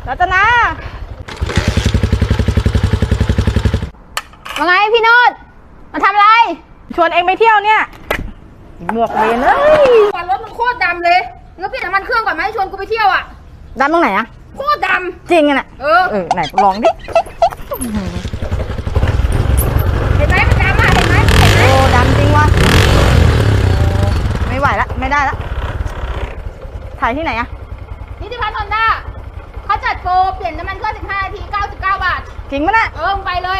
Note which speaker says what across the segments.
Speaker 1: รัตนาว่าไงพี่โนดมาทำอะไร ชวนเองไปเที่ยวเนี่ยหมวกเวน
Speaker 2: ก่อนรถมันโคตรดำเลยงั้นเปลี่ยนน้ำมันเครื่องก่อนไหมชวนกูไปเที่ยวอ่ะ
Speaker 1: ดำตรงไหนอะ
Speaker 2: โคตรด
Speaker 1: ำจริงอะน่ะไหนลองดิ
Speaker 2: เห็นไหมมันดำอ่ะเห็นไหม
Speaker 1: โอ้ดำจริงวะไม่ไหวละไม่ได้ละถ่ายที่ไหนอะ
Speaker 2: นิติพัฒน์ฮอนด้าเขาจัดโปรเปลี่ยนน้ำมันเครื่อง15 นาที99 บาท
Speaker 1: จริงปะเนี่ย
Speaker 2: ไปเลย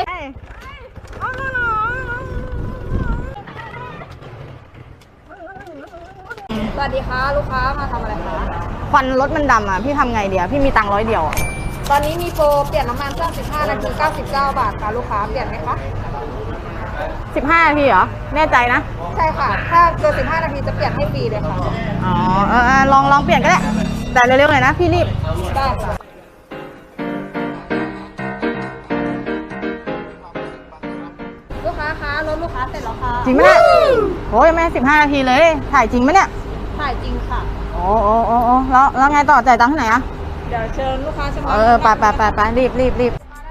Speaker 2: สวัสดีค่ะลูกค้ามาทำอะไรคะ
Speaker 1: ควันรถมันดำอ่ะพี่ทำไงเดียวพี่มีตังค์100 เดียว
Speaker 2: ตอนนี้มีโปรเปลี่ยนน้ำมันเครื่อง15 นาที99 บาทค่ะลูกค้าเปลี่ยนไหมคะ
Speaker 1: 15 นาทีเหรอแน่ใจนะ
Speaker 2: ใช่ค่ะถ้าเกิน15 นาทีจะเปลี่ยนให้ฟรีเลยค่ะ
Speaker 1: อ๋อลองเปลี่ยนก็ได้แต่เร็วๆหน่อยนะพี่รีบ
Speaker 2: ได้ค่ะลูกค้าคะรถลูกค้าเสร็จแล้วค่ะ
Speaker 1: จริงไหมเนี่ยโอ้ยแม่15 นาทีเลยถ่ายจริงไหมเนี่ย
Speaker 2: ถ่ายจริงค่ะ
Speaker 1: โอ้แล้วไงต่อจ่ายตังค์ที่ไหนอะ
Speaker 2: เดี๋ยวเชิญลูกค้าชำ
Speaker 1: ระไปรีบ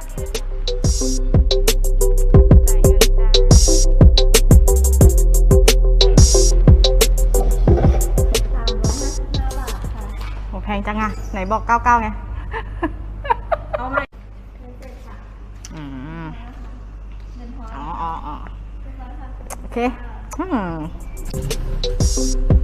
Speaker 1: โหแพงจังอะไหนบอก99ไง
Speaker 2: เอาใหม่
Speaker 1: อ๋อโอเค